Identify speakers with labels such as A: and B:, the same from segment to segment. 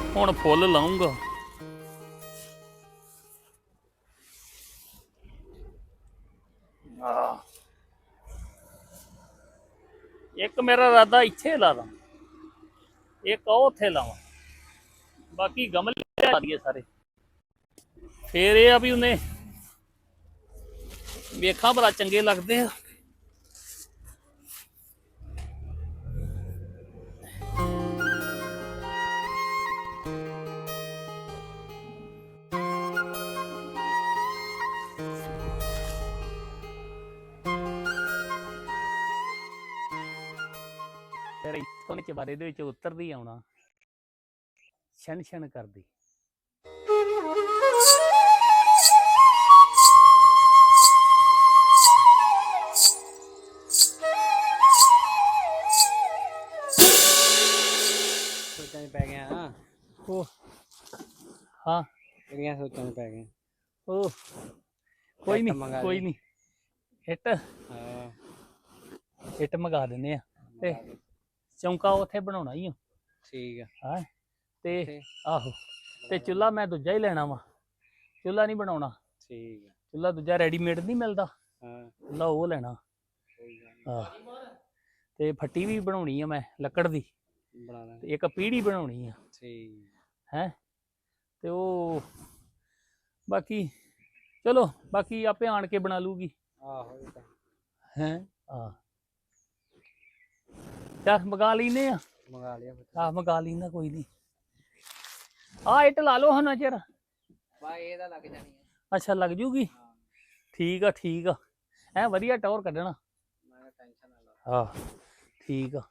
A: ਹੁਣ ਫੁੱਲ ਲਾਉਂਗਾ। ਇੱਕ ਮੇਰਾ ਇਰਾਦਾ ਇੱਥੇ ਲਾ ਦਾਂ, ਇੱਕ ਉਹ ਉੱਥੇ ਲਾਵਾਂ, ਬਾਕੀ ਗਮਲੇ ਲਾ ਦਈਏ ਸਾਰੇ। ਫੇਰ ਇਹ ਆ ਵੀ ਉਹਨੇ ਵੇਖਾਂ ਬੜਾ ਚੰਗੇ ਲੱਗਦੇ ਆ। ਫਿਰ ਇੱਥੋਂ ਨੇ ਚਬਾਰੇ ਦੇ ਵਿੱਚ ਉਤਰਦੀ ਆਉਣਾ, ਛਣ ਛਣ ਕਰਦੀ।
B: ਸੋਚਾਂ 'ਚ ਪੈ ਗਿਆ ਹਾਂ।
A: ਉਹ ਹਾਂ
B: ਕਿਹੜੀਆਂ ਸੋਚਾਂ 'ਚ ਪੈ ਗਿਆ।
A: ਉਹ ਕੋਈ ਨਹੀਂ ਕੋਈ ਨਹੀਂ, ਇੱਟ
B: ਹਾਂ
A: ਇੱਟ ਮੰਗਾ ਦਿੰਦੇ ਆ ਤੇ ਚੌਂਕਾ ਉੱਥੇ ਬਣਾਉਣਾ ਹੀ ਆ।
B: ਠੀਕ ਆ।
A: ਹਾਂ ਤੇ ਆਹੋ ਤੇ ਚੁੱਲ੍ਹਾ ਮੈਂ ਦੂਜਾ ਹੀ ਲੈਣਾ ਵਾ, ਚੁੱਲ੍ਹਾ ਨਹੀਂ ਬਣਾਉਣਾ।
B: ਠੀਕ ਆ।
A: ਚੁੱਲ੍ਹਾ ਦੂਜਾ ਰੈਡੀਮੇਡ ਨਹੀਂ ਮਿਲਦਾ,
B: ਹਾਂ
A: ਚੁੱਲ੍ਹਾ ਉਹ ਲੈਣਾ। ਹਾਂ ਤੇ ਫੱਟੀ ਵੀ ਬਣਾਉਣੀ ਆ ਮੈਂ ਲੱਕੜ ਦੀ,
B: ਬਣਾ ਲੈ।
A: ਤੇ ਇੱਕ ਪੀੜੀ ਬਣਾਉਣੀ ਆ।
B: ਠੀਕ
A: ਹੈ ਤੇ ਉਹ ਬਾਕੀ ਚਲੋ ਬਾਕੀ ਆਪੇ ਆਣ ਕੇ ਬਣਾ ਲੂਗੀ।
B: ਆਹੋ ਇਹ ਤਾਂ
A: ਹੈ ਆ ਚੱਲ ਮੰਗਾ ਲੈਨੇ ਆ।
B: ਮੰਗਾ ਲਿਆ
A: ਆਹ ਮੰਗਾ ਲੈਂਦਾ ਕੋਈ ਨਹੀਂ। ਆਹ ਇੱਟ ਲਾ ਲਓ ਹੁਣ ਚਿਰ।
B: ਬਾ ਇਹਦਾ ਲੱਗ ਜਾਣੀ ਹੈ।
A: ਅੱਛਾ ਲੱਗ ਜੂਗੀ। ਠੀਕ ਆ ਠੀਕ ਆ। ਐ ਵਧੀਆ ਟੌਰ ਕੱਢਣਾ।
B: ਮੈਂ ਟੈਨਸ਼ਨ ਨਾ ਲਾ।
A: ਹਾਂ ਠੀਕ ਆ।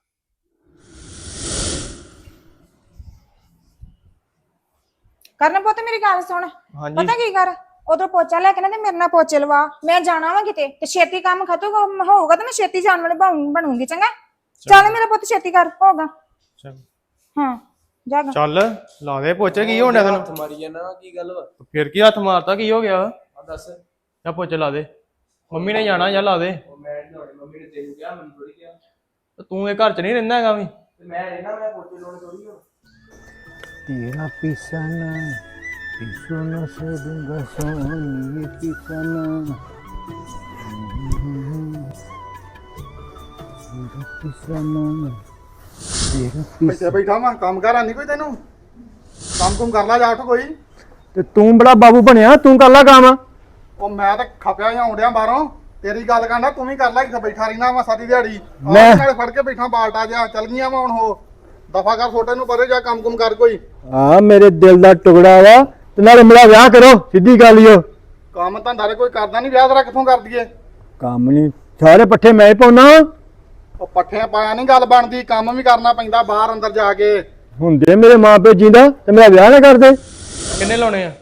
C: ਕਰਨ ਪੁੱਤ ਮੇਰੀ ਗੱਲ ਸੁਣ। ਪਤਾ ਕੀ ਕਰ, ਉਧਰ ਪੋਚਾ ਲੈ ਕੇ ਨਾ ਤੇ ਮੇਰੇ ਨਾਲ ਪੋਚੇ ਲਵਾ। ਮੈਂ ਜਾਣਾ ਵਾ ਕਿਤੇ ਤੇ ਛੇਤੀ ਕੰਮ ਖਤਮ ਹੋਊਗਾ ਤੇ ਮੈਂ ਛੇਤੀ ਜਾਣ ਵਾਲੀ ਬਣੂੰਗੀ। ਚੰਗਾ ਚੱਲ ਮੇਰਾ ਪੁੱਤ ਛੇਤੀ ਕਰ ਹੋਗਾ। ਹਾਂ ਜਾਗਾ
D: ਚੱਲ ਲਾ ਦੇ ਪੋਚੇ। ਕੀ ਹੋਣ ਡਿਆ ਤੈਨੂੰ?
E: ਹੱਥ ਮਾਰੀ ਜਾਣਾ ਕੀ ਗੱਲ ਵਾ?
D: ਫਿਰ ਕੀ ਹੱਥ ਮਾਰਤਾ? ਕੀ ਹੋ ਗਿਆ?
E: ਆ ਦੱਸ।
D: ਜਾ ਪੋਚੇ ਲਾ ਦੇ। ਮੰਮੀ ਨੇ ਜਾਣਾ, ਜਾਂ ਲਾ ਦੇ।
E: ਉਹ ਮੈਂ ਨਹੀਂ ਲਾਉਣੇ, ਮੰਮੀ ਨੇ ਤੈਨੂੰ ਕਿਹਾ, ਮੈਨੂੰ ਥੋੜੀ ਕਿਹਾ।
D: ਤੂੰ ਇਹ ਘਰ ਚ ਨਹੀਂ ਰਹਿੰਦਾ ਹੈਗਾ ਵੀ।
E: ਤੇ ਮੈਂ ਰਹਿਣਾ, ਮੈਂ ਪੋਚੇ ਲਾਉਣੇ ਥੋੜੀ ਹੋ।
F: तेरा पिसाना पिसो न से दूंगा सोनी पिसाना तेरा पिसाना तेरा
G: ਇੱਥੇ ਬੈਠਾ ਵਾਂ, ਕੰਮ ਕਰ ਆਨੀ ਕੋਈ ਤੈਨੂੰ? ਕੰਮ ਕੁਮ ਕਰ ਲਾ ਜਾ ਉੱਠ ਕੋਈ।
F: ਤੇ ਤੂੰ ਬੜਾ ਬਾਬੂ ਬਣਿਆ, ਤੂੰ ਕਰ ਲਾ ਕੰਮ।
G: ਉਹ ਮੈਂ ਤਾਂ ਖਪਿਆ ਜਾਂ ਆਉਂਦਿਆਂ ਬਾਹਰੋਂ ਤੇਰੀ ਗੱਲ ਕਰਦਾ, ਤੂੰ ਵੀ ਕਰ ਲੈ। ਇੱਥੇ ਬੈਠਾ ਰਹਿਣਾ ਵਾ ਸਾਰੀ ਦਿਹਾੜੀ।
F: ਮੈਂ
G: ਨਾਲੇ ਫੜ ਕੇ ਬੈਠਾ ਬਾਲਟਾ ਜਿਹਾ। ਚੱਲ ਗਈਆਂ ਵਾ ਹੁਣ ਉਹ ਦਫਾ ਕਰ, ਛੋਟੇ ਨੂੰ ਪਰੇ ਜਾ ਕੰਮ ਕੁਮ ਕਰ ਕੋਈ।
F: ਆ ਮੇਰੇ ਦਿਲ ਦਾ ਟੁਕੜਾ ਵਾ, ਤੇ ਨਾਲੇ ਮੇਰਾ ਵਿਆਹ ਕਰੋ, ਸਿੱਧੀ ਗੱਲ ਈ ਓ।
G: ਕੰਮ ਧੰਦਾ ਕੋਈ ਕਰਦਾ ਨਹੀਂ, ਵਿਆਹ ਤੇਰਾ ਕਿੱਥੋਂ ਕਰ ਦਈਏ?
F: ਕੰਮ ਨਹੀਂ, ਸਾਰੇ ਪੱਠੇ ਮੈਂ ਹੀ ਪਾਉਣਾ।
G: ਉਹ ਪੱਠਿਆਂ ਪਾਇਆ ਨਹੀਂ ਗੱਲ ਬਣਦੀ, ਕੰਮ ਵੀ ਕਰਨਾ ਪੈਂਦਾ ਬਾਹਰ ਅੰਦਰ ਜਾ ਕੇ।
F: ਹੁੰਦੇ ਮੇਰੇ ਮਾਂ ਪਿਓ ਜਿੰਦਾ ਤੇ ਮੇਰਾ ਵਿਆਹ ਨਾ ਕਰਦੇ।
D: ਕਿੰਨੇ ਲਾਉਣੇ ਆ?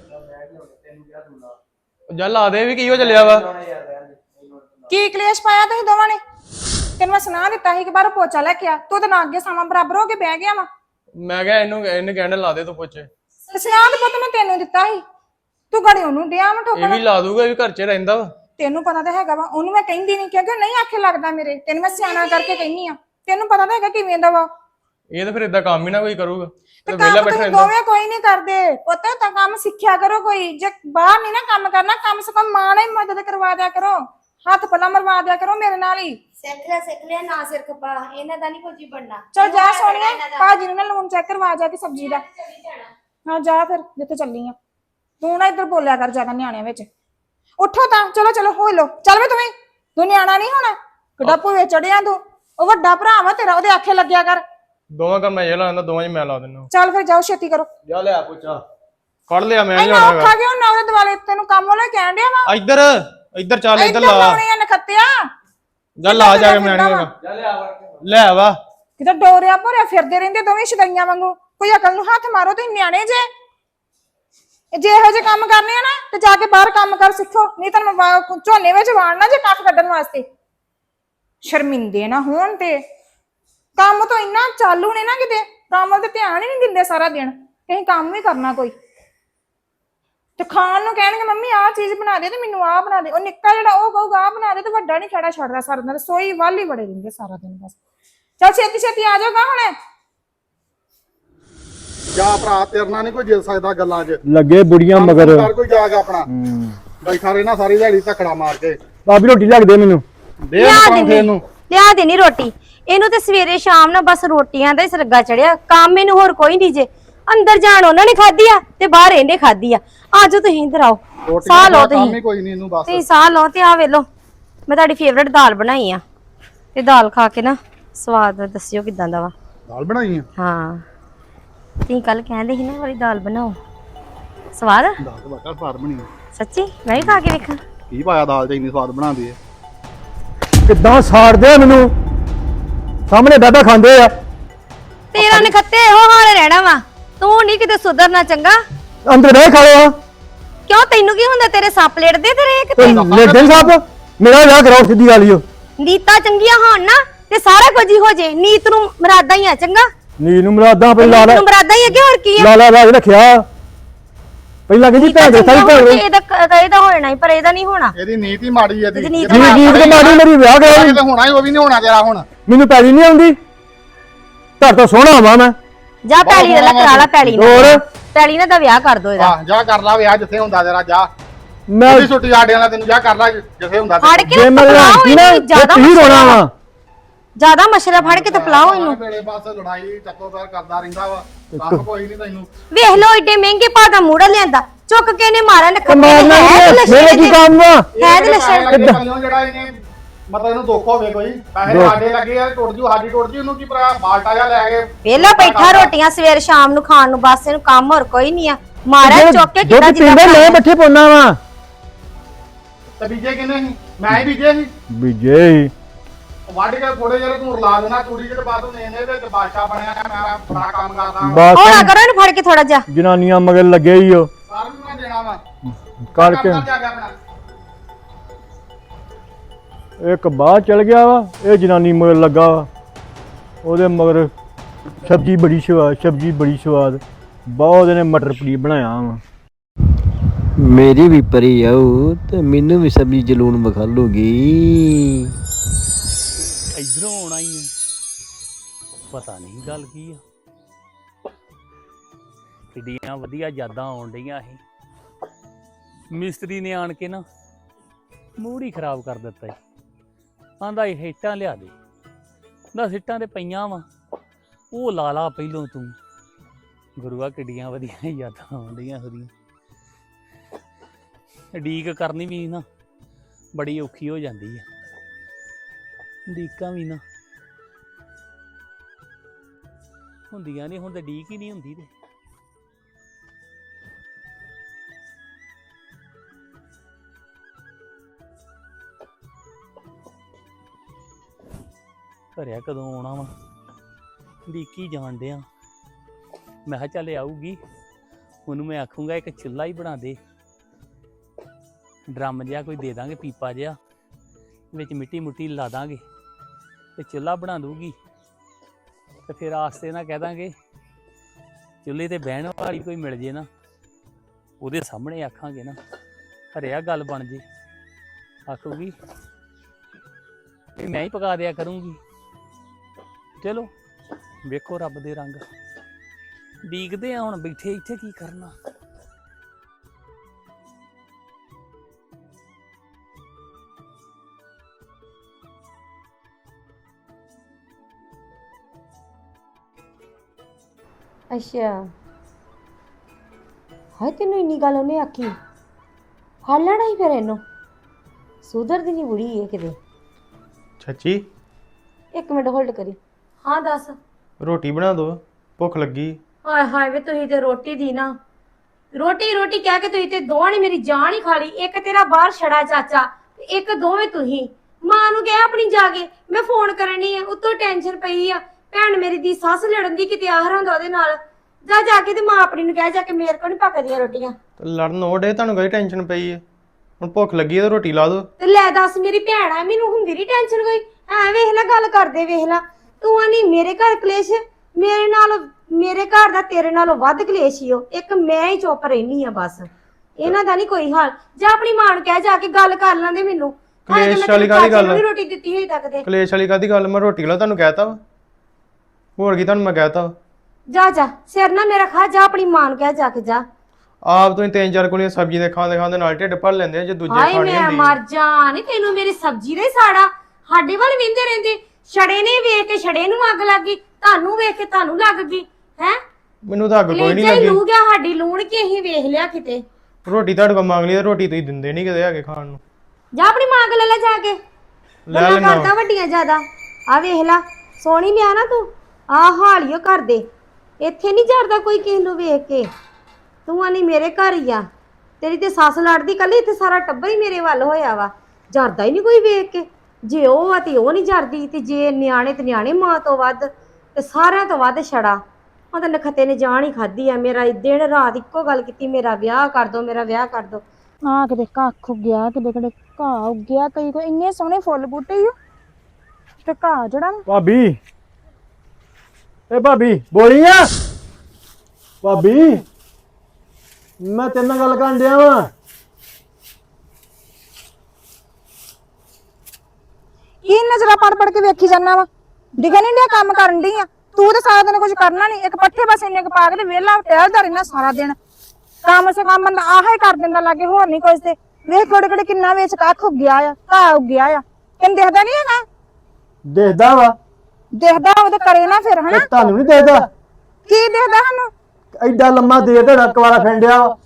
D: ਜਾ ਲਾ ਦੇ ਵੀ। ਕੀ ਹੋ ਚੱਲਿਆ ਵਾ?
C: ਕੀ ਕਲੇਸ਼ ਪਾਇਆ ਤੁਸੀਂ ਦੋਵਾਂ ਨੇ? ਤੈਨੂੰ ਮੈਂ ਸੁਣਾ ਦਿੱਤਾ ਸੀ ਕਿ ਬਾਹਰੋਂ ਪੋਚਾ ਲੈ ਕੇ ਆ, ਤੂੰ ਤਾਂ ਨਾ ਅੱਗੇ ਸਾਵਾਂ ਬਰਾਬਰ ਹੋ ਕੇ ਬਹਿ ਗਿਆ ਵਾ।
D: ਮੈਂ ਕਿਹਾ ਇਹਨੇ ਕਹਿਣ ਲਾ ਦੇ ਤੂੰ ਪੋਚੇ।
C: ਤੇ ਸੁਣਾ ਤੇ ਪੁੱਤ ਮੈਂ ਤੈਨੂੰ ਦਿੱਤਾ ਸੀ, ਤੂੰ ਗੜੀ ਉਹਨੂੰ ਡਿਆ ਵਾ
D: ਇਹ
C: ਠੋਕਣ।
D: ਵੀ ਲਾ ਦੂਗਾ, ਇਹ ਵੀ ਘਰ ਚ ਰਹਿੰਦਾ ਵਾ।
C: ਤੈਨੂੰ ਪਤਾ ਤਾਂ ਹੈਗਾ ਵਾ, ਉਹਨੂੰ ਮੈਂ ਕਹਿੰਦੀ ਨਹੀਂ ਕਿਉਂਕਿ ਨਹੀਂ ਆਖੇ ਲੱਗਦਾ ਮੇਰੇ। ਤੈਨੂੰ ਮੈਂ ਸਿਆਣਾ ਕਰਕੇ ਕਹਿੰਨੀ ਆ, ਤੈਨੂੰ ਪਤਾ ਤਾਂ ਹੈਗਾ ਕਿਵੇਂ ਦਾ ਵਾ।
D: ਇਹ ਤਾਂ ਫਿਰ ਏਦਾਂ ਕੰਮ ਹੀ ਨਾ ਕੋਈ ਕਰੂਗਾ
C: ਤੇ
D: ਤੇ ਵਿਹਲਾ
C: ਕੰਮ
D: ਬੈਠਾ
C: ਤੁਸੀਂ
D: ਰਹਿੰਦਾ।
C: ਦੋਵੇਂ ਕੋਈ ਨਹੀਂ ਕਰਦੇ ਪੁੱਤ, ਤਾਂ ਕੰਮ ਸਿੱਖਿਆ ਕਰੋ ਕੋਈ। ਜੇ ਬਾਹਰ ਨਹੀਂ ਨਾ ਕੰਮ ਕਰਨਾ, ਕਮ ਸੇ ਕਮ ਮਾਂ ਨਾਲ ਹੀ ਮਦਦ ਕਰਵਾ ਦਿਆ ਕਰੋ, ਹੱਥ ਪੱਲਾ ਮਰਵਾ ਦਿਆ ਕਰੋ ਮੇਰੇ ਨਾਲ ਹੀ।
H: ਸਿੱਖ ਲਿਆ ਨਾ ਸਿਰ ਖਪਾ, ਇਹਨਾਂ ਦਾ ਨਹੀਂ ਕੁਝ ਬਣਨਾ।
C: ਚਲ ਜਾ ਸੋਨੀਆ, ਭਾਜੀ ਨੂੰ ਨਾ ਲੂਣ ਚੈੱਕ ਕਰਵਾ ਜਾ ਕੇ ਸਬਜ਼ੀ ਦਾ। ਹਾਂ ਜਾ ਫਿਰ ਜਿੱਥੇ ਚੱਲੀ ਆ। ਤੂੰ ਨਾ ਇੱਧਰ ਬੋਲਿਆ ਕਰ ਜ਼ਿਆਦਾ ਨਿਆਣਿਆਂ ਵਿੱਚ। ਉੱਠੋ ਤਾਂ, ਚਲੋ ਚਲੋ ਹੋ ਲੋ। ਚੱਲ ਵੇ ਤੂੰ ਨਿਆਣਾ ਨਹੀਂ ਹੋਣਾ, ਕਿੱਡਾ ਭੂਏ ਚੜਿਆ ਤੂੰ। ਉਹ ਵੱਡਾ ਭਰਾ ਵਾ ਤੇਰਾ, ਉਹਦੇ ਆਖੇ ਲੱਗਿਆ ਕਰ।
D: ਦੋਵਾਂ ਕੰਮ ਮੈਂ ਇਹ ਲਾ ਦਿੰਦਾ, ਦੋਵਾਂ ਚ ਮੈਂ ਲਾ ਦਿੰਦਾ।
C: ਚੱਲ ਫਿਰ ਜਾਓ ਛੇਤੀ ਕਰੋ।
D: ਜਾ ਲਿਆ ਪੋਚਾ। ਕੱਢ ਲਿਆ ਮੈਂ ਨਹੀਂ
C: ਇੰਨਾ
D: ਜਾਣਾ
C: ਔਖਾ ਕਿਉਂ ਨਾ? ਉਹਦੇ ਦੁਆਲੇ ਤੈਨੂੰ ਕੰਮ ਵਾਲਾ ਕਹਿਣ ਡਿਆ ਵਾ।
D: ਇੱਧਰ ਇੱਧਰ ਚੱਲ, ਇੱਧਰ ਲਾ।
C: ਲਾਉਣੀ ਆ ਨਖੱਤਿਆ।
D: ਜਾ ਲਾ ਜਾ ਕੇ ਮੈਂ ਨਹੀਂ ਹੈਗਾ।
E: ਜਾ ਲਿਆ ਵਾ।
D: ਲੈ ਵਾ।
C: ਕਿਤੇ ਡੋਰਿਆ ਭੋਰਿਆ ਫਿਰਦੇ ਰਹਿੰਦੇ ਦੋਵੇਂ ਸ਼ਦਈਆਂ ਵਾਂਗੂ। ਕੋਈ ਅਕਲ ਨੂੰ ਹੱਥ ਮਾਰੋ, ਤੁਸੀਂ ਨਿਆਣੇ ਜੇ। ਜੇ ਇਹੋ ਜਿਹੇ ਕੰਮ ਕਰਨੇ ਆ ਨਾ ਤੇ ਜਾ ਕੇ ਬਾਹਰ ਕੰਮ ਕਰ ਸਿੱਖੋ, ਨਹੀਂ ਤਾਂ ਝੋਨੇ ਵਿੱਚ ਵਾੜਨਾ ਜੇ ਕੱਖ ਕੱਢਣ ਵਾਸਤੇ। ਸ਼ਰਮਿੰਦੇ ਨਾ ਹੋਣ ਤੇ ਕੰਮ ਤੋਂ ਇੰਨਾ ਚਾਲੂ ਨੇ ਨਾ, ਕਿਤੇ ਕੰਮ ਵੱਲ ਤੇ ਧਿਆਨ ਹੀ ਨਹੀਂ ਦਿੰਦੇ ਸਾਰਾ ਦਿਨ। ਕਹੀਂ ਕੰਮ ਵੀ ਕਰਨਾ ਕੋਈ ਤੇ ਖਾਣ ਨੂੰ ਕਹਿਣਗੇ ਮੰਮੀ ਆਹ ਚੀਜ਼ ਬਣਾ ਦੇ ਤੇ ਮੈਨੂੰ ਆਹ ਬਣਾ ਦੇ। ਉਹ ਨਿੱਕਾ ਜਿਹੜਾ ਉਹ ਕਹੂਗਾ ਆਹ ਬਣਾ ਦੇ ਤੇ ਵੱਡਾ ਨਹੀਂ ਖੜਾ ਛੱਡਦਾ ਸਾਰਾ ਦਿਨ। ਰਸੋਈ ਵੱਲ ਹੀ ਬੜੇ ਰਹਿੰਦੇ ਸਾਰਾ ਦਿਨ ਬਸ। ਚੱਲ ਛੇਤੀ ਛੇਤੀ ਆ ਜਾਓਗਾ ਹੁਣ।
G: ਜਾ ਭਰਾ ਤੇਰੇ ਨਾਲ ਨਹੀਂ ਕੋਈ ਜਿੱਤ ਸਕਦਾ ਗੱਲਾਂ 'ਚ
F: ਲੱਗੇ ਬੁੜੀਆਂ ਮਗਰ
G: ਕਰ ਕੋਈ ਜਾ ਕੇ ਆਪਣਾ ਬੈਠਾ ਰਹਿਣਾ ਸਾਰੀ ਦਿਹਾੜੀ ਧੱਕੜਾ ਮਾਰ ਕੇ
F: ਭਾਬੀ ਰੋਟੀ ਲੱਗ ਦੇ ਮੈਨੂੰ
G: ਦੇ
H: ਲਿਆ
G: ਪਰੌਂਠੇ
H: ਦੇਣੀ
G: ਨੂੰ
H: ਲਿਆ ਦੇਣੀ ਰੋਟੀ ਇਹਨੂੰ ਤੇ ਸਵੇਰੇ ਸ਼ਾਮ ਨਾਲ ਬਸ ਰੋਟੀਆਂ ਦਾ ਹੀ ਸਰਗਾ ਚੜਿਆ ਕੰਮ ਇਹਨੂੰ ਹੋਰ ਕੋਈ ਨਹੀਂ ਜੇ ਅੰਦਰ ਜਾਣ ਉਹਨਾਂ ਨੇ ਖਾਧੀ ਆ ਤੇ ਬਾਹਰ ਇਹਨੇ ਖਾਧੀ ਆ ਆਜੋ ਤੁਸੀਂ ਇੱਧਰ ਆਓ ਸਾਹ ਲਓ
G: ਕੰਮ ਹੀ
H: ਤੁਸੀਂ
G: ਕੋਈ ਨਹੀਂ ਇਹਨੂੰ ਬਸ
H: ਤੁਸੀਂ ਸਾਹ ਲਓ ਤੇ ਆ ਵੇਲੋ ਮੈਂ ਤੁਹਾਡੀ ਫੇਵਰਟ ਦਾਲ ਬਣਾਈ ਆ ਤੇ ਦਾਲ ਖਾ ਕੇ ਨਾ ਸਵਾਦ ਦੱਸਿਓ ਕਿਦਾਂ ਦਾ ਵਾ
G: ਦਾਲ ਬਣਾਈ ਆ
H: ਹਾਂ ਤੁਸੀਂ ਕੱਲ ਕਹਿੰਦੇ ਸੀ ਨਾ ਵਾਲੀ ਦਾਲ ਬਣਾਓ ਸਵਾਦ ਆ?
G: ਦਾਲ ਤਾਂ ਬਾਕਾ ਸਵਾਦ ਬਣੀ ਆ।
H: ਸੱਚੀ ਮੈਂ ਵੀ ਖਾ ਕੇ ਵੇਖਾਂ
G: ਕੀ ਪਾਇਆ ਦਾਲ 'ਚ ਇੰਨੀ ਸਵਾਦ ਬਣਾਉਂਦੀ ਹੈ
F: ਕਿੱਦਾਂ ਸਾੜਦੇ ਆ ਮੈਨੂੰ ਸਾਹਮਣੇ ਦਾਦਾ ਖਾਂਦੇ ਆ
H: ਤੇਰਾ ਨਖੱਤੇ ਇਹੋ ਹਾਲ ਰਹਿਣਾ ਵਾ ਤੂੰ ਨਹੀਂ ਕਿਤੇ ਸੁਧਰਨਾ ਚੰਗਾ
F: ਅੰਦਰ ਬਹਿ ਖਾ ਲਿਆ
H: ਕਿਉਂ ਤੈਨੂੰ ਕੀ ਹੁੰਦਾ ਤੇਰੇ ਸੱਪ ਲੇਟਦੇ ਤੇਰੇ
F: ਤੇ
H: ਕਿਤੇ
F: ਲੇਡਨ ਸਾਹਿਬ ਮੇਰਾ ਵਿਆਹ ਕਰਾਓ ਸਿੱਧੀ ਗੱਲ ਹੀ ਓ
H: ਨੀਤਾਂ ਚੰਗੀਆਂ ਹੋਣ ਨਾ ਤੇ ਸਾਰਾ ਕੁਝ ਹੀ ਹੋ ਜੇ ਨੀਤ ਨੂੰ ਮਰਾਦਾ ਹੀ ਆ ਚੰਗਾ
F: ਨੀ ਨੂੰ ਮਰਾਦਾਂ ਪਹਿਲਾਂ ਲਾ
H: ਨੀਤ
F: ਲੈ
H: ਨੂੰ ਮਰਾਦਾ ਹੀ ਅੱਗੇ ਹੋਰ ਕੀ ਆ
F: ਲਾ ਲਾ ਰਾਜ ਰੱਖਿਆ ਪਹਿਲਾਂ ਕਹਿੰਦੀ ਭੈਣ ਦੇ ਸਾਰੀ ਭੈਣ ਨੂੰ
H: ਇਹਦਾ ਹੋ ਜਾਣਾ ਪਰ ਇਹਦਾ ਨਹੀਂ ਹੋਣਾ
G: ਇਹਦੀ ਨੀਤ ਹੀ ਮਾੜੀ ਹੈ
H: ਇਹਦੀ
G: ਇਹਦੀ
H: ਨੀਤ
F: ਜਿਵੇਂ ਗੀਤ ਤੇ ਮਾਰੀ ਮੇਰੀ ਵਿਆਹ ਕਰਾਓ
G: ਕਿਤੇ ਹੋਣਾ ਹੀ ਉਹ ਵੀ ਨਹੀਂ ਹੋਣਾ ਤੇਰਾ ਹੁਣ
F: ਮੈਨੂੰ ਪੈਲੀ ਨਹੀਂ ਆਉਂਦੀ ਘਰ ਤੋਂ ਸੋਹਣਾ ਆਵਾਂ ਮੈਂ
H: ਜਾ ਪੈਲੀ ਦਾ ਕਰਾ ਲਾ ਪੈਲੀ ਨਾਲ
F: ਹੋਰ
H: ਪੈਲੀ ਨਾਲ ਦਾ ਵਿਆਹ ਕਰ ਦੋ ਇਹਦਾ
G: ਜਾ ਕਰ ਲਾ ਵਿਆਹ ਜਿੱਥੇ ਹੁੰਦਾ ਤੇਰਾ ਜਾ
F: ਮੈਂ
G: ਉਹਦੀ ਛੁੱਟੀ ਆੜਿਆਂ ਨਾਲ ਤੈਨੂੰ ਜਾ ਕਰ ਲਾ ਜਿੱਥੇ ਹੁੰਦਾ
H: ਫੜ ਕੇ
F: ਜੇ ਮੈਂ ਲਾਂਤੀ ਨਾ
H: ਜਿਆਦਾ
F: ਹੀ ਰੋਣਾ ਵਾ
H: ਜਿਆਦਾ ਮਸ਼ਰਾ ਫੜ ਕੇ ਤੇ ਪਲਾਓ ਇਹਨੂੰ
G: ਮੇਰੇ ਪਾਸ ਲੜਾਈ ਚੱਕੋਦਾਰ ਕਰਦਾ ਰਹਿੰਦਾ ਵਾ ਕੰਮ ਕੋਈ ਨਹੀਂ ਤੈਨੂੰ
H: ਵੇਖ ਲੋ ਏਡੇ ਮਹਿੰਗੇ ਭਾਅ ਦਾ ਮੂੜਾ ਲਿਆਂਦਾ ਚੁੱਕ ਕੇ ਨੇ ਮਾਰਿਆ ਨਖੱਤੇ
F: ਮਾਰਨਾ ਮੇਰੇ ਕੀ ਕੰਮ ਵਾ
H: ਹੈ ਤੇ ਲੱਛਣ
G: ਜਿਹੜਾ ਇਹਨੇ ਮਤਲਬ ਇਹਨੂੰ ਦੁੱਖ ਹੋਵੇ ਕੋਈ ਪੈਸੇ ਸਾਡੇ ਲੱਗੇ ਆ ਟੁੱਟ ਜੂ ਸਾਡੀ ਟੁੱਟ ਜੂ ਇਹਨੂੰ ਕੀ ਪਤਾ ਬਾਲਟਾ ਜਾ ਲੈ ਕੇ
H: ਵੇਲਾ ਬੈਠਾ ਰੋਟੀਆਂ ਸਵੇਰ ਸ਼ਾਮ ਨੂੰ ਖਾਣ ਨੂੰ ਬਸ ਇਹਨੂੰ ਕੰਮ ਹੋਰ ਕੋਈ ਨਹੀਂ ਆ ਮਾਰਿਆ ਚੁੱਕ ਕੇ ਕਿੱਦਾਂ
F: ਦੁੱਧ ਪੀਂਦਾ ਮੈਂ ਬੱਠੇ ਪਾਉਣਾ ਵਾ
G: ਤੇ ਬੀਜੇ ਕਿਨੇ ਸੀ ਮੈਂ ਹੀ ਬੀਜੇ ਸੀ
F: ਬੀਜੇ ਹੀ
G: ਵੱਢ ਕੇ ਥੋੜੇ ਜਿਹੜੇ ਤੂੰ ਰਲਾ ਦੇਣਾ ਕੁੜੀ ਜਿਹੜੇ ਬਾਅਦ ਨੇ ਇਹਨੇ ਤੇ ਬਾਦਸ਼ਾਹ ਬਣਿਆ ਮੈਂ ਬੜਾ ਕੰਮ ਕਰਦਾ
F: ਬਸ
H: ਹੋਣਾ ਕਰੋ ਇਹਨੂੰ ਫੜ ਕੇ ਥੋੜਾ ਜਿਹਾ
F: ਜਨਾਨੀਆਂ ਮਗਰ ਲੱਗੇ ਹੀ ਉਹ
G: ਸਾਰਿਆਂ ਨੂੰ ਮੈਂ ਦੇਣਾ ਵਾ
F: ਕਰਕੇ
G: ਕੰਮ ਜਾ ਕੇ ਆਪਣਾ
F: ਇੱਕ ਬਾਹਰ ਚਲ ਗਿਆ ਵਾ ਇਹ ਜਨਾਨੀ ਮਗਰ ਲੱਗਾ ਵਾ ਉਹਦੇ ਮਗਰ ਸਬਜ਼ੀ ਬੜੀ ਸਵਾਦ ਬਹੁਤ ਇਹਨੇ ਮਟਰ ਪਨੀਰ ਬਣਾਇਆ ਵਾ
I: ਮੇਰੀ ਵੀ ਪਰੀ ਆਊ ਤੇ ਮੈਨੂੰ ਵੀ ਸਬਜ਼ੀ ਜਲੂਣ ਵਿਖਾ ਲੂਗੀ
A: ਇਧਰੋਂ ਆਉਣਾ ਹੀ ਹੈ ਪਤਾ ਨਹੀਂ ਗੱਲ ਕੀ ਆ ਕਿੱਡੀਆਂ ਵਧੀਆ ਯਾਦਾਂ ਆਉਣ ਡਈਆਂ ਇਹ ਮਿਸਤਰੀ ਨੇ ਆਣ ਕੇ ਨਾ ਮੂਡ ਹੀ ਖਰਾਬ ਕਰ ਦਿੱਤਾ ਜੀ ਆਂਦਾ ਇਹ ਇੱਟਾਂ ਲਿਆ ਦੇ ਦਸ ਇੱਟਾਂ ਤੇ ਪਈਆਂ ਵਾ ਉਹ ਲਾ ਲਾ ਪਹਿਲੋਂ ਤੂੰ ਗੁਰੂਆ ਕਿੱਡੀਆਂ ਵਧੀਆ ਯਾਦਾਂ ਆਉਣ ਡਈਆਂ ਉਹਦੀਆਂ ਉਡੀਕ ਕਰਨੀ ਵੀ ਨਾ ਬੜੀ ਔਖੀ ਹੋ ਜਾਂਦੀ ਆ ਉਡੀਕਾਂ ਵੀ ਨਾ ਹੁੰਦੀਆਂ ਨਹੀਂ ਹੁਣ ਤਾਂ ਉਡੀਕ ਹੀ ਨਹੀਂ ਹੁੰਦੀ ਤੇ ਘਰਿਆ ਕਦੋਂ ਆਉਣਾ ਵਾ ਉਡੀਕੀ ਜਾਣ ਡਿਆ ਮੈਂ ਕਿਹਾ ਚੱਲ ਆਊਗੀ ਉਹਨੂੰ ਮੈਂ ਆਖੂੰਗਾ ਇੱਕ ਚੁੱਲ੍ਹਾ ਹੀ ਬਣਾ ਦੇ ਡਰਮ ਜਿਹਾ ਕੋਈ ਦੇ ਦਾਂਗੇ ਪੀਪਾ ਜਿਹਾ ਵਿੱਚ ਮਿੱਟੀ ਮੁੱਟੀ ਲਾ ਦਾਂਗੇ ਤੇ ਚੁੱਲ੍ਹਾ ਬਣਾ ਦੂਗੀ ਤੇ ਫਿਰ ਆਸਤੇ ਨਾਲ ਕਹਿ ਦਾਂਗੇ ਚੁੱਲ੍ਹੇ ਤੇ ਬਹਿਣ ਵਾਲੀ ਕੋਈ ਮਿਲ ਜੇ ਨਾ ਉਹਦੇ ਸਾਹਮਣੇ ਆਖਾਂਗੇ ਨਾ ਹਰਿਆ ਗੱਲ ਬਣ ਜੇ ਆਖੂਗੀ ਮੈਂ ਹੀ ਪਕਾ ਦਿਆ ਕਰੂੰਗੀ ਚਲੋ ਵੇਖੋ ਰੱਬ ਦੇ ਰੰਗ ਡੀਕਦੇ ਆ ਹੁਣ ਬੈਠੇ ਇੱਥੇ ਕੀ ਕਰਨਾ
H: ਅੱਛਾ ਹਾਏ ਤੈਨੂੰ ਇੰਨੀ ਗੱਲ ਉਹਨੇ ਆਖੀ ਫੜ ਲੈਣਾ ਹੀ ਫਿਰ ਇਹਨੂੰ ਸੁਧਰਦੀ ਨਹੀਂ ਬੁੜੀ ਇਹ ਕਿਤੇ
D: ਚਾਚੀ
H: ਇੱਕ ਮਿੰਟ ਹੋਲਡ ਕਰੀ ਹਾਂ ਦੱਸ
D: ਰੋਟੀ ਬਣਾ ਦੋ ਭੁੱਖ ਲੱਗੀ
H: ਹਾਏ ਹਾਏ ਵੇ ਤੁਸੀਂ ਤੇ ਰੋਟੀ ਦੀ ਨਾ ਰੋਟੀ ਕਹਿ ਕੇ ਤੁਸੀਂ ਤੇ ਦੋਵਾਂ ਨੇ ਮੇਰੀ ਜਾਨ ਹੀ ਖਾ ਲਈ ਇੱਕ ਤੇਰਾ ਬਾਹਰ ਛੜਾ ਚਾਚਾ ਤੇ ਇੱਕ ਦੋਵੇਂ ਤੁਸੀਂ ਮਾਂ ਨੂੰ ਕਹਿ ਆਪਣੀ ਜਾ ਕੇ ਮੈਂ ਫੋਨ ਕਰਨੀ ਆ ਉੱਤੋਂ ਟੈਨਸ਼ਨ ਪਈ ਆ ਭੈਣ ਮੇਰੀ ਦੀ ਸੱਸ ਲੜਨ ਦੀ ਕਿਤੇ ਆਹਰਾਂ ਦਾ ਉਹਦੇ ਨਾਲ ਜਾ ਕੇ ਤੇ ਮਾਂ ਆਪਣੀ ਨੂੰ ਕਹਿ ਜਾ ਕੇ ਮੇਰੇ ਕੋਲ ਨਹੀਂ ਪੱਕਦੀਆਂ ਰੋਟੀਆਂ
D: ਤੇ ਲੜਨ ਓਡੇ ਤੁਹਾਨੂੰ ਕੋਈ ਟੈਨਸ਼ਨ ਪਈ ਹੈ ਹੁਣ ਭੁੱਖ ਲੱਗੀ ਹੈ ਤਾਂ ਰੋਟੀ ਲਾ ਦੋ
H: ਤੇ ਲੈ ਦੱਸ ਮੇਰੀ ਭੈਣ ਆ ਮੈਨੂੰ ਹੁੰਦੀ ਨਹੀਂ ਟੈਨਸ਼ਨ ਕੋਈ ਐ ਵੇਖ ਲੈ ਗੱਲ ਕਰਦੇ ਵੇਖ ਲੈ ਤੂੰ ਆ ਨਹੀਂ ਮੇਰੇ ਘਰ ਕਲੇਸ਼ ਮੇਰੇ ਘਰ ਦਾ ਤੇਰੇ ਨਾਲੋਂ ਵੱਧ ਕਲੇਸ਼ ਹੀ ਹੋ ਇੱਕ ਮੈਂ ਹੀ ਚੁੱਪ ਰਹਿਨੀ ਆ ਬਸ ਇਹਨਾਂ ਦਾ ਨਹੀਂ ਕੋਈ ਹਾਲ ਜਾਂ ਆਪਣੀ ਮਾਂ ਨੂੰ ਕਹਿ ਜਾ ਕੇ ਗੱਲ ਕਰ ਲੈਂਦੇ ਮੈਨੂੰ
D: ਕਲੇਸ਼ ਵਾਲੀ ਕਾਹਦੀ ਗੱਲ ਆ?
H: ਰੋਟੀ ਦਿੱਤੀ ਹੋਈ ਤੱਕ ਤੇ
D: ਕਲੇਸ਼ ਵਾਲੀ ਕਾਹਦੀ ਗੱਲ ਮੈਂ ਰੋਟੀ ਲਾ ਤੁਹਾਨੂੰ ਕਹਿਤਾ ਵਾ ਹੋਰ ਕੀ ਤੁਹਾਨੂੰ ਮੈਂ ਕਹਿਤਾ
H: ਜਾ ਜਾ ਸਿਰ ਨਾ ਮੇਰਾ ਖਾ ਜਾ ਆਪਣੀ ਮਾਂ ਨੂੰ ਕਹਿ ਜਾ ਕੇ ਜਾ।
D: ਆਪ ਤੁਸੀਂ 3-4 ਕੋਲੀਆਂ ਸਬਜ਼ੀ ਦੇ ਖਾਂਦੇ ਖਾਂਦੇ ਨਾਲ ਢਿੱਡ ਭਰ ਲੈਂਦੇ ਆ, ਜੇ ਦੂਜੇ
H: ਹਾਏ
D: ਖਾਣੀ
H: ਮੈਂ
D: ਹੁੰਦੀ
H: ਮਰ ਜਾ ਨੀ ਤੈਨੂੰ ਮੇਰੀ ਸਬਜ਼ੀ ਦਾ ਹੀ ਸਾੜਾ ਸਾਡੇ ਵੱਲ ਵਿੰਦੇ ਰਹਿੰਦੇ ਛੜੇ ਨੇ ਵੇਖ ਕੇ ਛੜੇ ਨੂੰ ਅੱਗ ਲੱਗ ਗਈ ਤੁਹਾਨੂੰ ਵੇਖ ਕੇ ਤੁਹਾਨੂੰ ਲੱਗ ਗਈ ਹੈ
D: ਮੈਨੂੰ ਤਾਂ ਅੱਗ ਕੋਈ ਨਹੀਂ
H: ਕਲੇਜਾ ਹੀ
D: ਲੱਗੀ।
H: ਲੂ ਗਿਆ ਸਾਡੀ ਲੂਣ ਕੇ ਅਸੀਂ ਵੇਖ ਲਿਆ ਕਿਤੇ।
D: ਰੋਟੀ ਤੁਹਾਡੇ ਕੋਲ ਮੰਗ ਲਈ ਤੇ ਰੋਟੀ ਤੁਸੀਂ ਦਿੰਦੇ ਨਹੀਂ ਕਿਤੇ ਹੈਗੇ ਖਾਣ ਨੂੰ।
H: ਜਾ ਆਪਣੀ ਮਾਂ ਕੋਲ ਲੈ ਲੈ ਜਾ ਕੇ
D: ਲੈ
H: ਗੱਲਾਂ
D: ਲੈਣਾ
H: ਕਰਦਾ ਵੱਡੀਆਂ ਜ਼ਿਆਦਾ। ਆ ਵੇਖ ਲੈ ਸੋਹਣੀ ਲਿਆ ਨਾ ਤੂੰ ਆ ਹਾਲੀਓ ਕਰ ਦੇ ਇੱਥੇ ਨਹੀਂ ਜਰਦਾ ਕੋਈ ਕਿਸੇ ਨੂੰ ਵੇਖ ਕੇ। ਤੂੰ ਆਨੀ ਮੇਰੇ ਘਰ ਹੀ ਆ ਤੇਰੀ ਤੇ ਸੱਸ ਲੜਦੀ ਕੱਲੀ ਇੱਥੇ ਸਾਰਾ ਟੱਬਰ ਹੀ ਮੇਰੇ ਵੱਲ ਹੋਇਆ ਵਾ ਜਰਦਾ ਹੀ ਨਹੀਂ ਕੋਈ ਵੇਖ ਕੇ। ਜੇ ਉਹ ਆ ਤੇ ਉਹ ਨਹੀਂ ਜਰਦੀ ਤੇ ਜੇ ਨਿਆਣੇ ਤੇ ਨਿਆਣੇ ਮਾਂ ਤੋਂ ਵੱਧ ਤੇ ਸਾਰਿਆਂ ਤੋਂ ਵੱਧ ਛੜਾ। ਉਹ ਤਾਂ ਨਖੱਤੇ ਨੇ ਜਾਨ ਹੀ ਖਾਦੀ ਆ ਮੇਰਾ ਦਿਨ ਰਾਤ ਇੱਕੋ ਗੱਲ ਕੀਤੀ ਮੇਰਾ ਵਿਆਹ ਕਰ ਦੋ ਮੇਰਾ ਵਿਆਹ ਕਰ ਦੋ।
C: ਆ ਕਿਤੇ ਕੱਖ ਉੱਗਿਆ ਕਿਤੇ ਕਿਤੇ ਘਾਹ ਉੱਗਿਆ ਕਈ ਕੋਈ ਇੰਨੇ ਸੋਹਣੇ ਫੁੱਲ ਬੂਟੇ ਹੀ ਤੇ ਘਾਹ ਜਿਹੜਾ ਨਾ
F: ਭਾਬੀ ਏ ਭਾਬੀ ਬੋਲੀ ਆ ਭਾਬੀ ਮੈਂ ਤੇਰੇ ਨਾਲ ਗੱਲ ਕਰਨ ਡਿਆ ਵਾਂ।
C: ਕੀ ਨਜ਼ਰਾਂ ਪੜ ਕੇ ਵੇਖੀ ਜਾਂਦਾ ਵਾ ਦਿਖੇ ਨਹੀਂ ਡਿਆ ਕੰਮ ਕਰਨ ਡਈ ਆ ਤੂੰ ਤੇ ਸਾਰਾ ਦਿਨ ਕੁਝ ਕਰਨਾ ਨਹੀਂ ਇੱਕ ਪੱਠੇ ਬਸ ਇੰਨੇ ਕੁ ਪਾ ਕੇ ਤੇ ਵਿਹਲਾ ਟਹਿਲਦਾ ਰਹਿਣਾ ਸਾਰਾ ਦਿਨ ਕੰਮ ਸੇ ਕੰਮ ਬੰਦਾ ਆਹ ਹੀ ਕਰ ਦਿੰਦਾ ਲਾਗੇ ਹੋਰ ਨਹੀਂ ਕੁਝ ਤੇ ਵੇਖ ਕੋੜੇ ਕੋੜੇ ਕਿੰਨਾ ਵਿੱਚ ਕੱਖ ਉੱਗਿਆ ਆ ਘਾਹ ਉੱਗਿਆ ਆ ਤੈਨੂੰ ਦਿਖਦਾ ਨਹੀਂ ਹੈਗਾ
F: ਦੇਖਦਾ ਵਾ
C: ਦਿਖਦਾ ਉਹ ਤੇ ਕਰੇ ਨਾ ਫਿਰ
F: ਤੇ
C: ਹਨਾ
F: ਤੁਹਾਨੂੰ ਨਹੀਂ ਦੇਖਦਾ
C: ਕੀ ਦਿਖਦਾ ਸਾਨੂੰ
F: ਐਡਾ ਲੰਮਾ ਦੇ ਤੁਹਾਡਾ ਕਵਾਲਾ ਫੈਂਡਿਆ ਵਾ।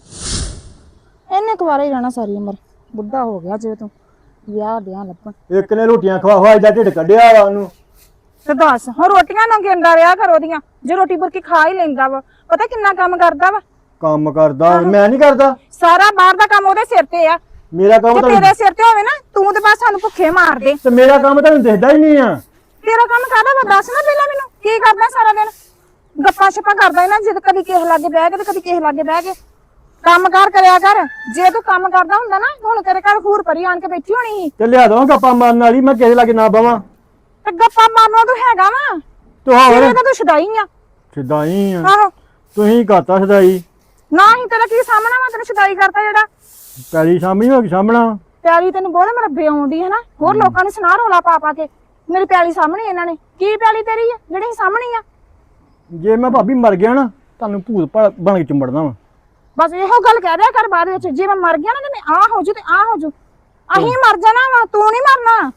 C: ਇਹਨੇ ਕੁਵਾਰਾ ਹੀ ਰਹਿਣਾ ਸਾਰੀ ਉਮਰ ਬੁੱਢਾ ਹੋ ਗਿਆ ਜੇ ਤੂੰ ਵਿਆਹ ਵਿਆਹ ਲੱਭਣ
F: ਇੱਕ ਨੇ ਰੋਟੀਆਂ ਖਵਾ ਖਵਾ ਐਡਾ ਢਿੱਡ ਕੱਢਿਆ ਵਾ ਉਹਨੂੰ।
C: ਤੇ ਦੱਸ ਹੁਣ ਰੋਟੀਆਂ ਨਾ ਗਿੰਦਾ ਰਿਹਾ ਕਰ ਉਹਦੀਆਂ ਜੇ ਰੋਟੀ ਬੁਰਕੀ ਖਾ ਹੀ ਲੈਂਦਾ ਵਾ ਪਤਾ ਕਿੰਨਾ ਕੰਮ ਕਰਦਾ ਵਾ
F: ਕੰਮ ਕਰਦਾ ਮੈਂ ਨਹੀਂ ਕਰਦਾ
C: ਸਾਰਾ ਬਾਹਰ ਦਾ ਕੰਮ ਉਹਦੇ ਸਿਰ ਤੇ ਆ
F: ਮੇਰਾ ਕੰਮ
C: ਜੇ
F: ਤਾਂ
C: ਤੇਰੇ ਸਿਰ ਤੇ ਹੋਵੇ ਨਾ ਤੂੰ ਤੇ ਬਸ ਸਾਨੂੰ ਭੁੱਖੇ ਮਾਰ ਦੇ
F: ਤੇ ਮੇਰਾ ਕੰਮ ਤੁਹਾਨੂੰ ਦਿਖਦਾ ਹੀ ਨਹੀਂ ਆ।
C: ਤੇਰਾ ਕੰਮ ਕਾਹਦਾ ਵਾ ਦੱਸ ਨਾ ਪਹਿਲਾਂ ਮੈਨੂੰ ਕੀ ਕਰਦਾ ਸਾਰਾ ਦਿਨ ਗੱਪਾਂ ਛੱਪਾਂ ਕਰਦਾ ਨਾ ਜਦ ਕਦੀ ਕਿਸੇ ਲਾਗੇ ਬਹਿ ਕੇ ਤੇ ਕਦੀ ਕਿਸੇ ਲਾਗੇ ਬਹਿ ਕੇ ਕੰਮ ਕਾਰ ਕਰਿਆ ਕਰ ਜੇ ਤੂੰ ਕੰਮ ਕਰਦਾ ਹੁੰਦਾ ਨਾ ਹੁਣ ਤੇਰੇ ਘਰ ਹੂਰ ਪਰੀ ਆਣ ਕੇ ਬੈਠੀ ਹੋਣੀ ਸੀ
F: ਤੇ ਲਿਆ ਦਵਾਂ ਗੱਪਾਂ ਮਾਰਨ ਵਾਲੀ ਮੈਂ ਕਿਸੇ ਲਾਗੇ ਨਾ ਬਵਾਂ।
C: ਤੇ ਗੱਪਾਂ ਮਾਰਨੋਂ ਤੂੰ ਹੈਗਾ ਵਾ
F: ਤੂੰ ਹੋਰ
C: ਤੇਰੇ ਤਾਂ ਤੂੰ ਛਡਾਈ ਆ
F: ਛਦਾਈ ਆ
C: ਆਹੋ
F: ਤੁਸੀਂ ਕਰਤਾ ਛਦਾਈ
C: ਨਾ ਹੀ ਤੇਰਾ ਕੀ ਸਾਹਮਣਾ ਵਾ ਤੈਨੂੰ ਛਡਾਈ ਕਰਤਾ ਜਿਹੜਾ
F: ਪੈਲੀ ਸਾਹਮਣੀ ਹੋ ਗਈ ਸਾਹਮਣਾ।
C: ਪਿਆਲੀ ਤੈਨੂੰ ਬਹੁਤ ਮਰਬੇ ਆਉਂਦੀ ਹੈ ਨਾ ਹੋਰ ਲੋਕਾਂ ਨੂੰ ਸੁਣਾ ਰੋਲਾ ਪਾ ਪਾ ਕੇ ਮੇਰੀ ਪਿਆਲੀ ਸਾਹਮਣੇ ਇਹਨਾਂ ਨੇ ਕੀ ਪਿਆਲੀ ਤੇਰੀ ਆ ਜਿਹੜੀ ਸਾਹਮਣੀ ਆ
F: ਜੇ ਮੈਂ ਭਾਬੀ ਮਰ ਗਿਆ ਨਾ ਤੁਹਾਨੂੰ ਭੂਤ ਬਣ ਕੇ ਚੁੰਬੜਨਾ ਵਾ।
C: ਬਸ ਇਹੋ ਗੱਲ ਕਹਿ ਦਿਆ ਕਰ ਬਾਅਦ ਵਿੱਚ ਜੇ ਮੈਂ ਮਰ ਗਿਆ ਨਾ ਤੇ ਮੈਂ ਆ ਹੋ ਜੂ ਤੇ ਆ ਹੋ ਜੂ ਅਹੀਂ ਮਰ ਜਾਣਾ ਵਾ ਤੂੰ ਨਹੀਂ ਮਰਨਾ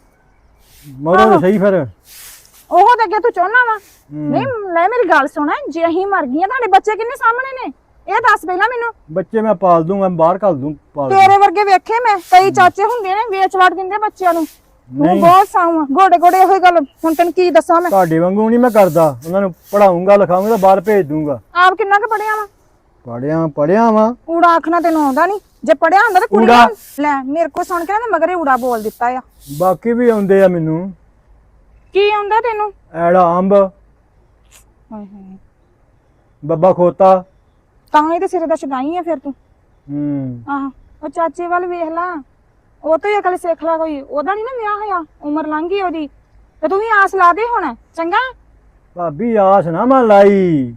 F: ਮਰੋ ਤਾਂ ਸਹੀ ਫਿਰ।
C: ਉਹ ਤਾਂ ਅੱਗੇ ਤੂੰ ਚਾਹੁੰਦਾ ਵਾ ਨਹੀਂ ਲੈ ਮੇਰੀ ਗੱਲ ਸੁਣ ਜੇ ਅਹੀਂ ਮਰ ਗਈਆਂ ਤੁਹਾਡੇ ਬੱਚੇ ਕਿੰਨੇ ਸਾਹਮਣੇ ਨੇ ਇਹ ਦੱਸ ਪਹਿਲਾਂ ਮੈਨੂੰ
F: ਬੱਚੇ ਮੈਂ ਪਾਲ ਦੂੰਗਾ ਬਾਹਰ ਘੱਲ ਦੂੰ ਪਾਲ ਦੂੰ।
C: ਤੇਰੇ ਵਰਗੇ ਵੇਖੇ ਮੈਂ ਕਈ ਚਾਚੇ ਹੁੰਦੇ ਨੇ ਵੇਚ ਵੜ ਦਿੰਦੇ ਬੱਚਿਆਂ ਨੂੰ ਤੂੰ
F: ਨਹੀਂ।
C: ਬਹੁਤ ਸਾਊ ਗੋਡੇ ਗੋਡੇ ਇਹੋ ਹੀ ਗੱਲ ਹੁਣ ਤੈਨੂੰ ਕੀ ਦੱਸਾਂ ਮੈਂ
F: ਤੁਹਾਡੇ ਵਾਂਗੂ ਨਹੀਂ ਮੈਂ ਕਰਦਾ ਉਹਨਾਂ ਨੂੰ ਪੜਾਉਂਗਾ ਲਿਖਾਉਂਗਾ ਤਾਂ ਬਾਹਰ ਭੇਜ ਦੂੰਗਾ।
C: ਆਪ ਕਿੰਨਾ ਕੁ ਪੜਿਆ ਵਾ
F: ਪੜਿਆ ਵਾਂ
C: ਊੜਾ ਆਖਣਾ ਤੈਨੂੰ ਆਉਂਦਾ ਨਹੀਂ ਜੇ ਪੜਿਆ ਹੁੰਦਾ ਤਾਂ ਕੁੜੀ
F: ਊੜਾ?
C: ਲੈ ਮੇਰੇ ਕੋ ਸੁਣ ਕੇ ਨਾ ਤੇ ਮਗਰੇ ਊੜਾ ਬੋਲ ਦਿੱਤਾ ਆ
F: ਬਾਕੀ ਵੀ ਆਉਂਦੇ ਆ ਮੈਨੂੰ
C: ਕੀ ਆਉਂਦਾ ਤੈਨੂੰ
F: ਐੜਾ ਅੰਬ
C: ਹਾਏ ਹਾਏ
F: ਬੱਬਾ ਖੋਤਾ।
C: ਤਾਂ ਹੀ ਤੇ ਸਿਰੇ ਦਾ ਛਡਾਈ ਆ ਫਿਰ ਤੂੰ ਆਹ ਉਹ ਚਾਚੇ ਵੱਲ ਵੇਖ ਲਾ ਉਹ ਤੋਂ ਹੀ ਅਕਲ ਸਿੱਖ ਲਾ ਕੋਈ ਉਹਦਾ ਨਹੀਂ ਨਾ ਵਿਆਹ ਹੋਇਆ ਉਮਰ ਲੰਘ ਗਈ ਉਹਦੀ ਤੇ ਤੂੰ ਵੀ ਆਸ ਲਾ ਦੇ ਹੁਣ ਚੰਗਾ
F: ਭਾਬੀ ਆਸ ਨਾ ਮੈਂ ਲਾਈ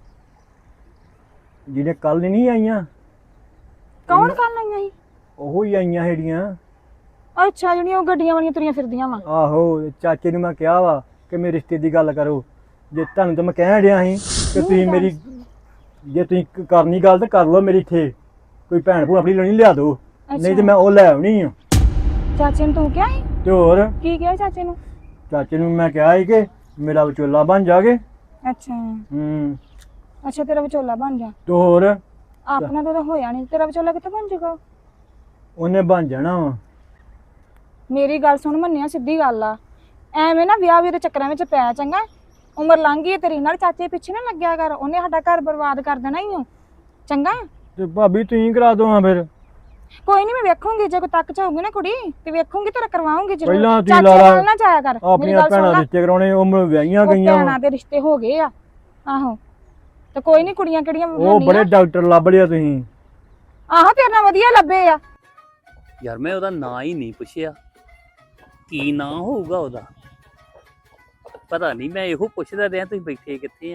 F: ਜਿਹਨੇ ਕੱਲ ਨਹੀਂ ਆਈਆਂ
C: ਕੌਣ ਕਰਨ ਆਈਆਂ ਸੀ
F: ਉਹੋ ਹੀ ਆਈਆਂ ਜਿਹੜੀਆਂ।
C: ਅੱਛਾ ਜਿਹੜੀਆਂ ਉਹ ਗੱਡੀਆਂ ਵਾਲੀਆਂ ਤੁਰੀਆਂ ਫਿਰਦੀਆਂ ਵਾ
F: ਆਹੋ ਚਾਚੇ ਨੂੰ ਮੈਂ ਕਿਹਾ ਵਾ ਕਿ ਮੇਰੇ ਰਿਸ਼ਤੇ ਦੀ ਗੱਲ ਕਰੋ। ਜੇ ਤੁਹਾਨੂੰ ਤਾਂ ਮੈਂ ਕਹਿਣ ਡਿਆ ਸੀ ਕਿ ਤੁਸੀਂ ਮੇਰੀ ਜੇ ਤੁਸੀਂ ਕਰਨੀ ਗੱਲ ਤਾਂ ਕਰ ਲਓ ਮੇਰੀ ਇੱਥੇ ਕੋਈ ਭੈਣ ਭੂਣ ਆਪਣੀ ਲੈਣੀ ਲਿਆ ਦਿਓ ਨਹੀਂ ਤੇ ਮੈਂ ਉਹ ਲੈ ਆਉਣੀ ਆ।
C: ਚਾਚੇ ਨੂੰ ਤੂੰ ਕਿਹਾ ਸੀ
F: ਤੇ ਹੋਰ
C: ਕੀ ਕਿਹਾ ਚਾਚੇ ਨੂੰ
F: ਚਾਚੇ ਨੂੰ ਮੈਂ ਕਿਹਾ ਸੀ ਕਿ ਮੇਰਾ ਵਿਚੋਲਾ ਬਣ ਜਾਗੇ।
C: ਅੱਛਾ ਅੱਛਾ ਤੇਰਾ ਵਿਚੋਲਾ ਬਣ ਜਾ
F: ਤੇ ਹੋਰ
C: ਆਪਣਾ ਤਾਂ ਹੋਇਆ ਨਹੀਂ ਤੇਰਾ ਵਿਚੋਲਾ ਕਿੱਥੇ ਬਣ ਜਾਊਗਾ
F: ਉਹਨੇ ਬਣ ਜਾਣਾ ਵਾ।
C: ਮੇਰੀ ਗੱਲ ਸੁਣ ਮੰਨਿਆ ਸਿੱਧੀ ਗੱਲ ਆ ਐਵੇਂ ਨਾ ਵਿਆਹ ਦੇ ਚੱਕਰਾਂ ਵਿੱਚ ਪੈ ਚੰਗਾ ਉਮਰ ਲੰਘ ਗਈ ਤੇਰੀ ਨਾਲ ਚਾਚੇ ਪਿੱਛੇ ਨਾ ਲੱਗਿਆ ਕਰ ਉਹਨੇ ਸਾਡਾ ਘਰ ਬਰਬਾਦ ਕਰ ਦੇਣਾ ਹੀ ਓ ਚੰਗਾ
F: ਤੇ ਭਾਬੀ ਤੁਸੀਂ ਕਰਾ ਦੋ ਹਾਂ ਫਿਰ।
C: ਕੋਈ ਨਹੀਂ ਮੈਂ ਵੇਖੂੰਗੀ ਜੇ ਕੋਈ ਤੱਕ ਚਾਹੂਗੀ ਨਾ ਕੁੜੀ ਤੇ ਵੇਖੂੰਗੀ ਤੇਰਾ ਕਰਵਾਉਂਗੀ ਜ਼ਰੂਰ
F: ਪਹਿਲਾਂ ਤੁਸੀਂ
C: ਚਾਚੇ
F: ਲਾ ਲਾ
C: ਨਾਲ ਨਾ ਜਾਇਆ ਕਰ ਮੇਰੀ
F: ਆਪਣੀਆਂ
C: ਗੱਲ ਸੁਣ
F: ਭੈਣਾਂ
C: ਲੈ
F: ਰਿਸ਼ਤੇ ਕਰਾਉਣੇ ਉਹ ਵਿਆਹੀਆਂ
C: ਉਹ
F: ਗਈਆਂ
C: ਭੈਣਾਂ ਦੇ ਰਿਸ਼ਤੇ ਹੋ ਗਏ ਆ ਆਹੋ ਤੇ ਕੋਈ ਨਹੀਂ ਕੁੜੀਆਂ ਕਿਹੜੀਆਂ
F: ਉਹ ਬੜੇ ਡਾਕਟਰ ਲੱਭ ਲਿਆ ਤੁਸੀਂ।
C: ਆਹੋ ਤੇਰੇ ਨਾਲ ਵਧੀਆ ਲੱਭੇ ਆ
A: ਯਾਰ ਮੈਂ ਉਹਦਾ ਨਾਂ ਹੀ ਨਹੀਂ ਪੁੱਛਿਆ ਕੀ ਨਾਂ ਹੋਊਗਾ ਉਹਦਾ ਪਤਾ ਨਹੀਂ ਮੈਂ ਇਹੋ ਪੁੱਛਦਾ ਰਿਹਾ ਤੁਸੀਂ ਬੈਠੇ ਕਿੱਥੇ ਆ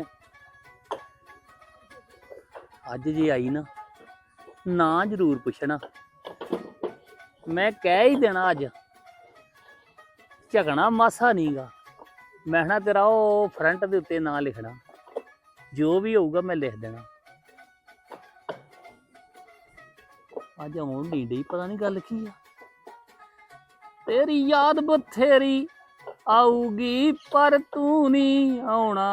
A: ਅੱਜ ਜੇ ਆਈ ਨਾ ਨਾਂ ਜ਼ਰੂਰ ਪੁੱਛਣਾ ਮੈਂ ਕਹਿ ਹੀ ਦੇਣਾ ਅੱਜ ਝਗਣਾ ਮਾਸਾ ਨਹੀਂਗਾ ਮੈਂ ਨਾ ਤੇਰਾ ਉਹ ਫਰੰਟ ਦੇ ਉੱਤੇ ਨਾਂ ਲਿਖਣਾ ਜੋ ਵੀ ਹੋਊਗਾ ਮੈਂ ਲਿਖ ਦੇਣਾ। ਅੱਜ ਆਉਣ ਨਹੀਂ ਡਈ, ਪਤਾ ਨਹੀਂ ਗੱਲ ਕੀ ਆ। ਤੇਰੀ ਯਾਦ ਬਥੇਰੀ ਆਊਗੀ ਪਰ ਤੂੰ ਨਹੀਂ ਆਉਣਾ,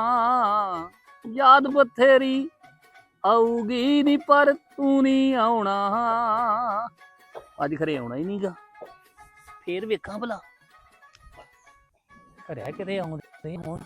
A: ਯਾਦ ਬਥੇਰੀ ਆਊਗੀ ਨੀ ਪਰ ਤੂੰ ਨਹੀਂ ਆਉਣਾ। ਅੱਜ ਖਰੇ ਆਉਣਾ ਹੀ ਨਹੀਂਗਾ, ਫੇਰ ਵੇਖਾਂ ਭਲਾ ਘਰਿਆ ਕਿਤੇ ਆਉਂਦੇ ਹੁਣ।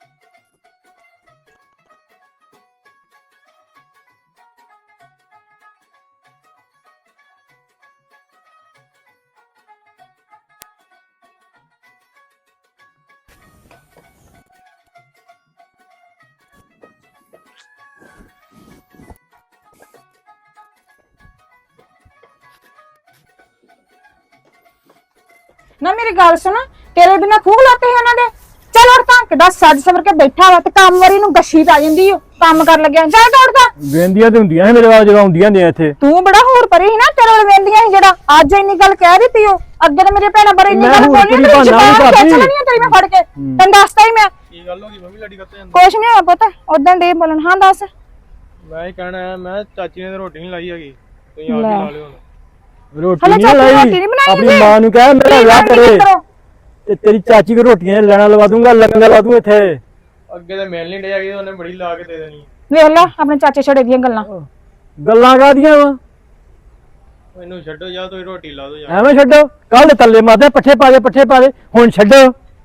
C: ਨਾ ਮੇਰੀ ਗੱਲ ਸੁਣ, ਤੇਰੇ ਬਿਨਾ ਖੂਹ ਲਾਤੇ ਹੈ ਉਹਨਾਂ ਦੇ। ਚੱਲ ਉੜ ਤਾਂ ਕਿੱਡਾ ਸੱਜ ਸਵਰ ਕੇ ਬੈਠਾ ਵਾ ਤੇ ਕੰਮ ਵਾਰੀ ਨੂੰ ਗੱਛੀ ਪੈ ਜਾਂਦੀ ਓ, ਕੰਮ ਕਰ ਲੱਗਿਆ। ਚੱਲ ਤੋੜਦਾ
F: ਵੇਂਦੀਆਂ ਤੇ ਹੁੰਦੀਆਂ ਸੀ ਮੇਰੇ ਵਾਲ ਜਦੋਂ ਆਉਂਦੀਆਂ ਨੇ ਇੱਥੇ।
C: ਤੂੰ ਬੜਾ ਹੋਰ ਪਰੇ ਸੀ ਨਾ, ਤੇਰੇ ਕੋਲ ਵੇਂਦੀਆਂ ਸੀ ਜਿਹੜਾ ਅੱਜ ਇੰਨੀ ਗੱਲ ਕਹਿ ਦਿੱਤੀ ਓ। ਅੱਗੇ ਤੇ ਮੇਰੇ ਭੈਣਾਂ ਬਾਰੇ ਇੰਨੀ
F: ਮੈਂ
C: ਗੱਲ
F: ਹੋਰ
C: ਬੋਲੀ
F: ਕਿਹੜੀ
C: ਨਹੀਂ,
F: ਬਹਾਨਾ
C: ਜ਼ਬਾਨ
F: ਨੀ
C: ਖਿੱਚ
F: ਕਰਦੀ।
C: ਲੈਣੀ ਆ ਤੇਰੀ ਮੈਂ ਫੜ ਕੇ। ਤੈਨੂੰ ਦੱਸਤਾ ਹੀ ਮੈਂ।
D: ਕੀ ਗੱਲ ਹੋ ਗਈ ਮੰਮੀ ਲੜੀ ਕੱਤੇ ਜਾਂਦੇ?
C: ਕੁਛ ਨਹੀਂ ਹੋਇਆ ਪੁੱਤ, ਉਦਾਂ ਡੇ ਬੋਲਣ। ਹਾਂ ਦੱਸ।
D: ਮੈਂ ਹੀ ਕਹਿਣਾ ਹੈ, ਮੈਂ ਚਾਚੀ ਨੇ ਤਾਂ ਰੋਟੀ ਨਹੀਂ ਲਾਈ ਹੈਗੀ, ਤੁਸੀਂ ਆਪ ਹੀ ਲਾ ਲਿਓ ਹੁਣ।
F: ਰੋਟੀ
C: ਹਲੇ
F: ਨਹੀਂ
C: ਚਾਚੀ
F: ਲਾਈ,
C: ਰੋਟੀ ਨੀ ਬਣਾਈ
F: ਆਪਣੀ
C: ਜੀ।
F: ਮਾਂ ਨੂੰ ਕਹਿ ਮੇਰਾ
C: ਕੀ
F: ਵਿਆਹ
C: ਕਰਨੀ
F: ਕਰੇ
C: ਕਰੋ।
F: ਤੇ ਤੇਰੀ ਚਾਚੀ ਕੋ ਰੋਟੀਆਂ ਲੈਣਾ ਲਵਾ ਦੂੰਗਾ, ਲੰਗਰ ਲਵਾ ਦੂੰ ਇੱਥੇ।
D: ਅੱਗੇ ਤਾਂ ਮਿਲ ਨਹੀਂ ਡੇ ਹੈਗੀ, ਉਹਨੇ ਬੜੀ ਲਾ ਕੇ ਦੇ ਦੇਣੀ।
C: ਵੇਖ ਲੈ ਆਪਣੇ ਚਾਚੇ ਛੜੇ ਦੀਆਂ ਗੱਲਾਂ।
F: ਗੱਲਾਂ ਕਾਹਦੀਆਂ ਵਾ?
D: ਮੈਨੂੰ ਛੱਡੋ ਜਾਂ ਤੁਸੀਂ ਰੋਟੀ ਲਾ ਦਿਓ ਜਾਂ।
F: ਐਵੇਂ ਛੱਡੋ, ਕੱਲ ਦੇ ਤੱਲੇ ਮਾਰਦੇ ਪੱਠੇ ਪਾ ਦੇ, ਹੁਣ ਛੱਡੋ।